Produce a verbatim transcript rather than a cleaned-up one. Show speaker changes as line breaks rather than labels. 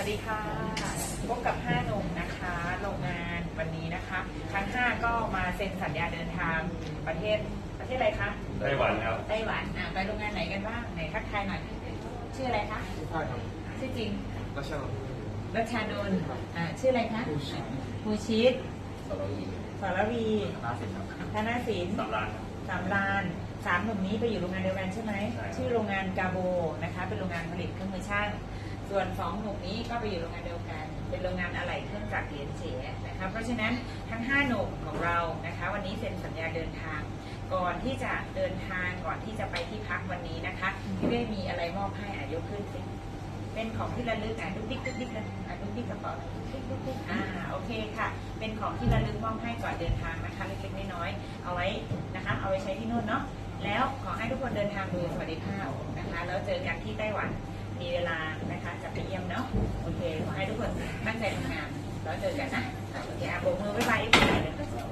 ดีค่ะพบกับห้าหนุ่มนะคะโรงงานวันนี้นะคะทั้งห้าก็มาเซ็นสัญญาเดินทางประเทศประเทศอะไรคะ
ไต้หวันครับ
ไต้หวันอ่ะไปโรงงานไหนกันบ้างไหนทักทายหน่อยชื่ออะไรคะ
ใช่ครับ
ชื่อจริง
รัชนนท์
รัชชานนท์อ่าชื่ออะไรคะ
ผู้ชิง
ภูชิต
สวัสดี
สรวี
นาสินครับ
ธนศิลป์
สำรานครับ
สามลานสามหนุ่มนี้ไปอยู่โรงงานเดียวกันใช่ไหม
ใช่ครับ
ชื่อโรงงานกาโบนะคะเป็นโรงงานผลิตเครื่องมือช่างส่วนสองหนุ่มนี้ก็ไปอยู่โรงงานเดียวกัน เป็นโรงงานอะไหล่เครื่องจักรเหรียญเฉียนะคะเพราะฉะนั้นทั้งห้าหนุ่มของเรานะคะวันนี้เซ็นสัญญาเดินทาง ก่อนที่จะเดินทางก่อนที่จะไปที่พักวันนี้นะคะพี่เว้มีอะไรมอบให้อ่ะยกขึ้นสิเป็นของที่ระลึกอ่ะดุ๊กดิ๊กดุ๊กดิ๊กนะอ่ะดุ๊กดิ๊กกระเป๋าดุ๊กดิ๊กดุ๊กดิ๊กอ่าโอเคค่ะเป็นของที่ระลึกมอบให้ก่อนเดินทางนะคะเล็กๆน้อยๆเอาไว้นะคะเอาไว้ใช้ที่นู่นเนาะแล้วขอให้ทุกคนเดินทางโดยสวัสดิภาพนะคะแล้วเจอกันที่ไต้หวันมีเวลานะคะจะไปเยี่ยมเนาะโอเคขอให้ทุกคนตั้งใจทำงานแล้วเจอกันนะอ่ะโอเคอ่ะโบกมือบ๊ายบายอีกทีเลย